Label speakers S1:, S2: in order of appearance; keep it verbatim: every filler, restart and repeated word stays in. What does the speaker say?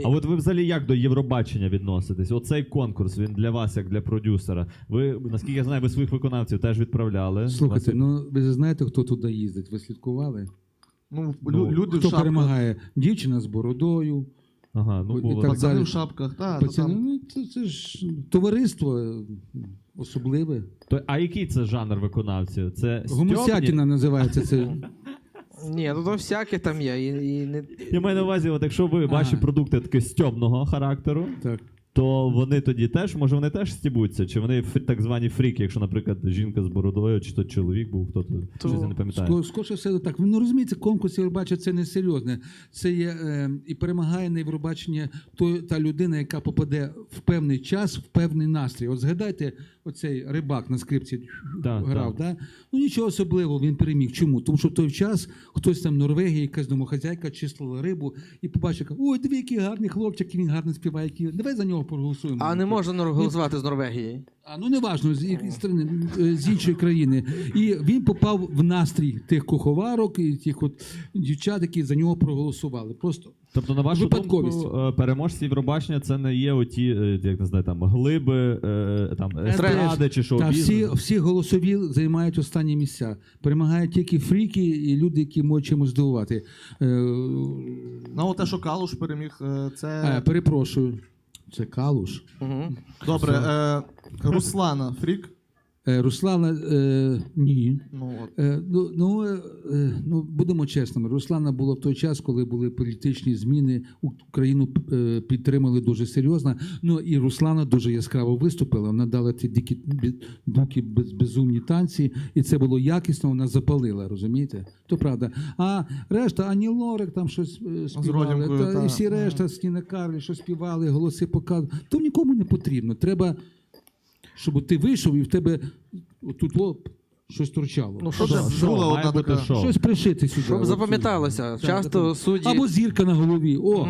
S1: А от ви взагалі як до Євробачення відноситесь? Оцей конкурс, він для вас, як для продюсера. Ви, наскільки я знаю, ви своїх виконавців теж відправляли.
S2: Слухайте,
S1: Вас-
S2: ну ви знаєте, хто туди їздить? Ви слідкували?
S3: Ну,
S1: Ну,
S3: лю- люди в
S2: Хто
S3: шапках,
S2: перемагає? Дівчина з бородою.
S1: Ага, ну
S2: І
S1: було.
S2: так
S3: пацани
S2: далі.
S3: в шапках, та, то
S2: Пацани,
S3: там.
S2: ну, це, це ж товариство е, особливе.
S1: То, а який це жанр виконавців? Це
S2: Гомосятіна називається це.
S4: Ні, ну то всяке там є. І, і не...
S1: Я маю на увазі, от якщо ви ваші
S2: Ага.
S1: продукти таки стьобного характеру,
S2: Так.
S1: то вони тоді теж, може вони теж стібуться? Чи вони фр- так звані фріки, якщо, наприклад, жінка з бородою, чи то чоловік був, хто то,
S4: То-
S1: щось я не пам'ятаю.
S2: Ско- Скоріше все так. Ви ну, розумієте, конкурс Євробачення це не серйозне. Це є е, і перемагає на Євробачення той, та людина, яка попаде в певний час, в певний настрій. От згадайте, оцей рибак на скрипці
S1: Так,
S2: грав.
S1: так.
S2: Да? Ну нічого особливого, він переміг. Чому? Тому що в той час хтось там в Норвегії, якась домохазяйка чистила рибу і побачив, каже, ой, диви, який гарний хлопчик, і він гарно співає. який- Давай за нього проголосуємо.
S4: А не можна нор- голосувати з Норвегії.
S2: А ну не важно, з якої сторони, е, з іншої країни. І він попав в настрій тих куховарок і тих от дівчат, які за нього проголосували. Просто
S1: Тобто, на вашу
S2: Випадковість.
S1: думку, е, переможці Євробачення це не є оті, е, як не знаю, там глиби, е, там естради чи
S2: та
S1: шоу-бізнес?
S2: всі, всі голосові займають останні місця. Перемагають тільки фріки і люди, які можуть чимось здивувати. Е,
S3: Ну, от те, що Калуш переміг, е, це.
S2: е, перепрошую, це Калуш.
S4: Угу.
S3: Добре, е, Руслана Фрік.
S2: Е, Руслана, е, ні.
S3: Ну, от.
S2: Е, Ну, ну, е, е, ну, будемо чесними. Руслана була в той час, коли були політичні зміни, Україну е, підтримали дуже серйозно. Ну і Руслана дуже яскраво виступила. Вона дала ті дикі, бі- дукі без, безумні танці, і це було якісно, вона запалила, розумієте? То правда. А решта, Ані Лорак там щось е, співали,
S3: Родімкою,
S2: та,
S3: та.
S2: і всі решта, Стіна Карлі, що співали, голоси показували. То нікому не потрібно. Треба, щоб ти вийшов і в тебе тут лоб щось торчало.
S4: Ну, що
S1: Шоу,
S4: ж,
S1: шоу,
S3: була
S1: має
S3: одна
S1: бути
S3: така-
S1: шоу.
S2: Щось пришити сюди.
S4: щоб
S2: От
S4: запам'яталося.
S2: сюди.
S4: Часто
S2: Так, так.
S4: судді...
S2: Або зірка на голові. О,